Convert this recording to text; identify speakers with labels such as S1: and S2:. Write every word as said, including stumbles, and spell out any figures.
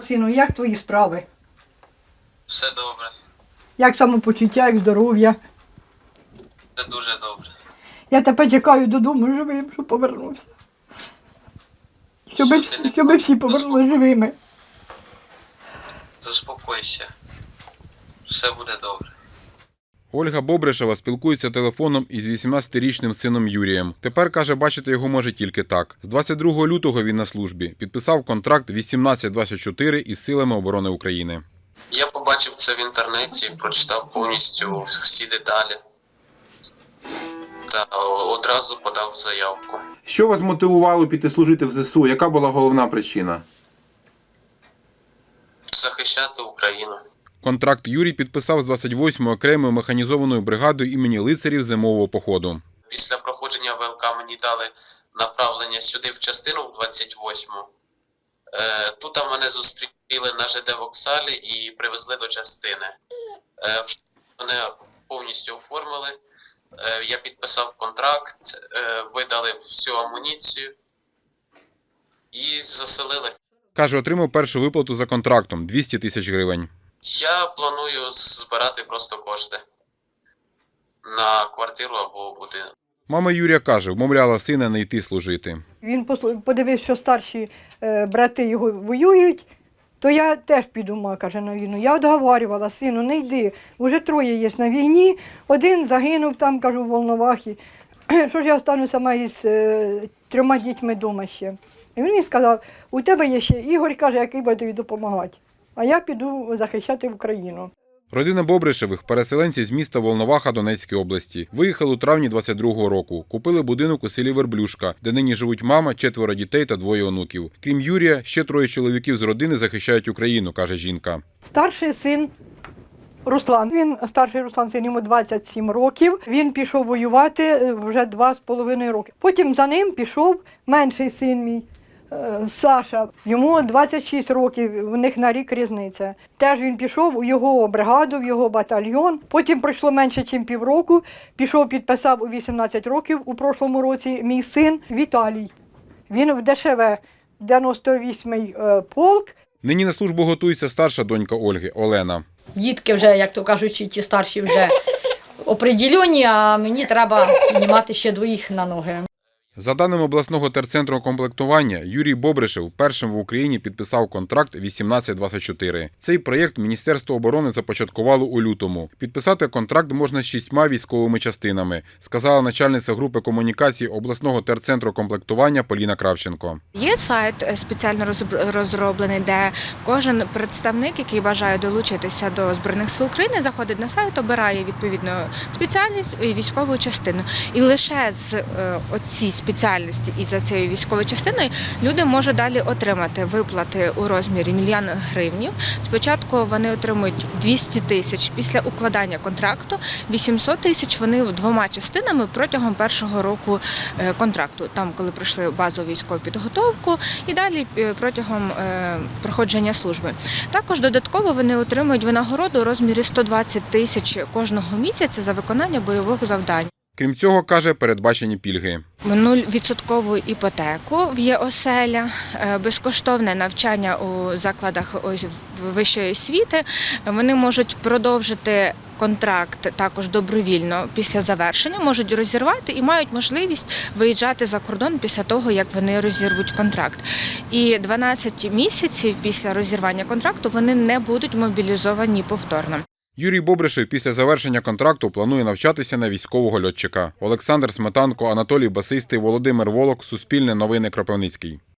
S1: Сину, як твої справи?
S2: Все добре.
S1: Як самопочуття, як здоров'я?
S2: Все дуже добре.
S1: Я тебе чекаю додому живим, щоб повернувся. Щоб,
S2: Що
S1: всі-
S2: ти не
S1: щоб всі повернулися живими.
S2: Заспокойся. Все буде добре.
S3: Ольга Бобришева спілкується телефоном із вісімнадцятирічним сином Юрієм. Тепер, каже, бачити його може тільки так. З двадцять другого лютого він на службі. Підписав контракт вісімнадцять двадцять чотири із Силами оборони України.
S2: Я побачив це в інтернеті, прочитав повністю всі деталі. Та одразу подав заявку.
S4: Що вас мотивувало піти служити в зе се у? Яка була головна причина?
S2: Захищати Україну.
S3: Контракт Юрій підписав з двадцять восьмою окремою механізованою бригадою імені лицарів зимового походу.
S2: Після проходження ВЛК мені дали направлення сюди в частину в двадцять восьму. Е, тут мене зустріли на ЖД вокзалі і привезли до частини. Е, в мене повністю оформили. Е, я підписав контракт, е, видали всю амуніцію і заселили.
S3: Каже, отримав першу виплату за контрактом – двісті тисяч гривень.
S2: Я планую збирати просто кошти на квартиру або будинок.
S3: Мама Юрія каже, вмовляла сина не йти служити.
S1: Він послу- подивився, що старші е, брати його воюють, то я теж піду, ма, каже, на війну. Я відговорювала, сину, не йди, вже троє є на війні, один загинув там, кажу, в Волновахі. Що ж я остануся сама із е, трьома дітьми вдома ще. І він мені сказав, у тебе є ще Ігор, каже, який буде тобі допомагати. А я піду захищати Україну.
S3: Родина Бобришевих – переселенці з міста Волноваха Донецької області. Виїхали у травні двадцять другого року. Купили будинок у селі Верблюшка, де нині живуть мама, четверо дітей та двоє онуків. Крім Юрія, ще троє чоловіків з родини захищають Україну, каже жінка.
S1: Старший син Руслан. Він старший Руслан, син, йому двадцять сім років. Він пішов воювати вже два з половиною роки. Потім за ним пішов менший син мій. е, Саша, йому двадцять шість років, в них на рік різниця. Теж він пішов у його бригаду, в його батальйон. Потім пройшло менше, ніж півроку. Пішов, підписав у вісімнадцять років у прошлому році мій син Віталій. Він в де ше ве, дев'яносто восьмий е, полк.
S3: Нині на службу готується старша донька Ольги – Олена.
S5: Дітки вже, як то кажуть, ті старші вже оприділені, а мені треба піднімати ще двоїх на ноги.
S3: За даними обласного терцентру комплектування, Юрій Бобришев першим в Україні підписав контракт вісімнадцять двадцять чотири. Цей проєкт Міністерство оборони започаткувало у лютому. Підписати контракт можна з шістьма військовими частинами, сказала начальниця групи комунікацій обласного терцентру комплектування Поліна Кравченко.
S6: Є сайт спеціально розроблений, де кожен представник, який бажає долучитися до Збройних сил України, заходить на сайт, обирає відповідну спеціальність і військову частину. І лише з оцій спеціальності і за цією військовою частиною люди можуть далі отримати виплати у розмірі мільйон гривнів. Спочатку вони отримують двісті тисяч після укладання контракту, вісімсот тисяч вони двома частинами протягом першого року контракту, там коли пройшли базову військову підготовку і далі протягом проходження служби. Також додатково вони отримують винагороду у розмірі сто двадцять тисяч кожного місяця за виконання бойових завдань.
S3: Крім цього, каже, передбачені пільги.
S6: нуль-відсоткову іпотеку в ЄОселя, безкоштовне навчання у закладах вищої освіти. Вони можуть продовжити контракт також добровільно після завершення, можуть розірвати і мають можливість виїжджати за кордон після того, як вони розірвуть контракт. І дванадцять місяців після розірвання контракту вони не будуть мобілізовані повторно.
S3: Юрій Бобришев після завершення контракту планує навчатися на військового льотчика. Олександр Сметанко, Анатолій Басистий, Володимир Волок, Суспільне новини, Кропивницький.